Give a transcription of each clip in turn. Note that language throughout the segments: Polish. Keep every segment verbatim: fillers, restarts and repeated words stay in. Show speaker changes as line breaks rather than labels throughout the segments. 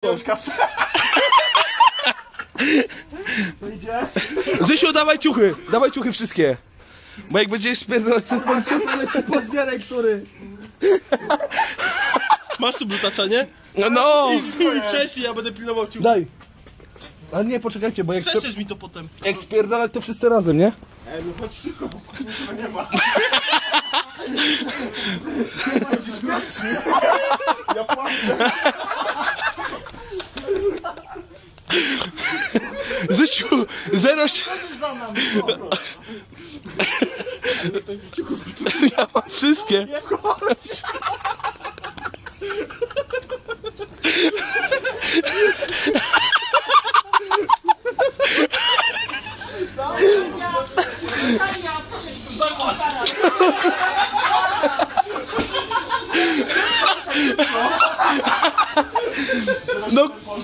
Zysiu, dawaj ciuchy, dawaj ciuchy wszystkie. Bo jak będziesz spierdalać przed policją...
Ale się pozbieraj, który...
Masz tu blutacza, nie?
No, no.
Wcześniej ja będę pilnował ciuchy.
Daj. Ale nie, poczekajcie, bo jak...
Przeszesz mi to potem.
Jak spierdalać to wszyscy razem, nie?
Ej, no chodź szybko, bo kurwa nie ma. Ja płacę.
Zysiu, zero... Ja mam wszystkie. No,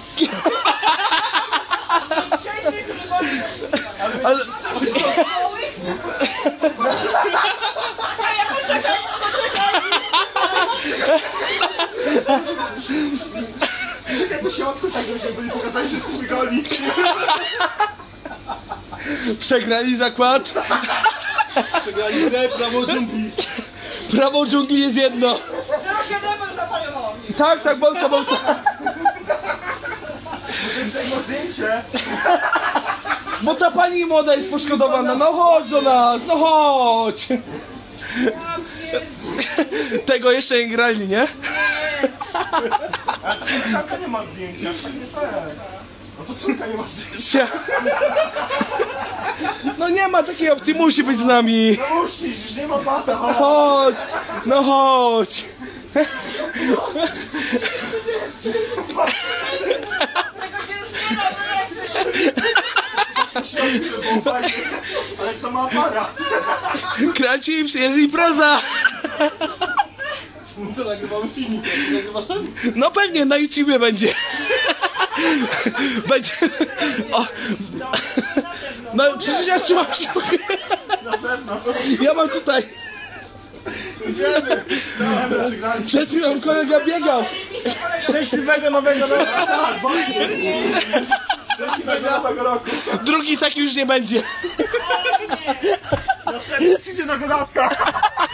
ale...
Czekaj do środku, tak żebyśmy byli pokazali, że jesteśmy goli.
Przegrali zakład.
Przegrali grę, prawo dżungli.
Prawo dżungli jest jedno.
zero siedem już zapaliono.
Tak, tak, bolca, bolca.
Jeszcze jedno zdjęcie.
Bo ta pani młoda jest poszkodowana. No chodź do nas, no chodź. Tego jeszcze nie grali, nie?
Ale to córka nie ma zdjęcia, tak nie tak. No to córka nie ma zdjęcia.
No nie ma takiej opcji, musi być z nami.
No musisz, już nie ma bata.
Chodź, no chodź.
Tego się już nie da wyleczyć.
Ale kto ma aparat?
Kracips, jest impreza.
Co, nagrywamy filmik? Nagrywasz ten?
No pewnie, na YouTubie będzie. Będzie... O. No przecież ja trzymam się.
Na zewnątrz.
Ja mam tutaj.
Idziemy. Dobra, przegraliśmy.
Przed chwilą kolega biegał.
Szczęśliwego nowego roku. Tak, właśnie. Szczęśliwego nowego roku.
Drugi taki już nie będzie.
Następny przyjdzie na Gorasa.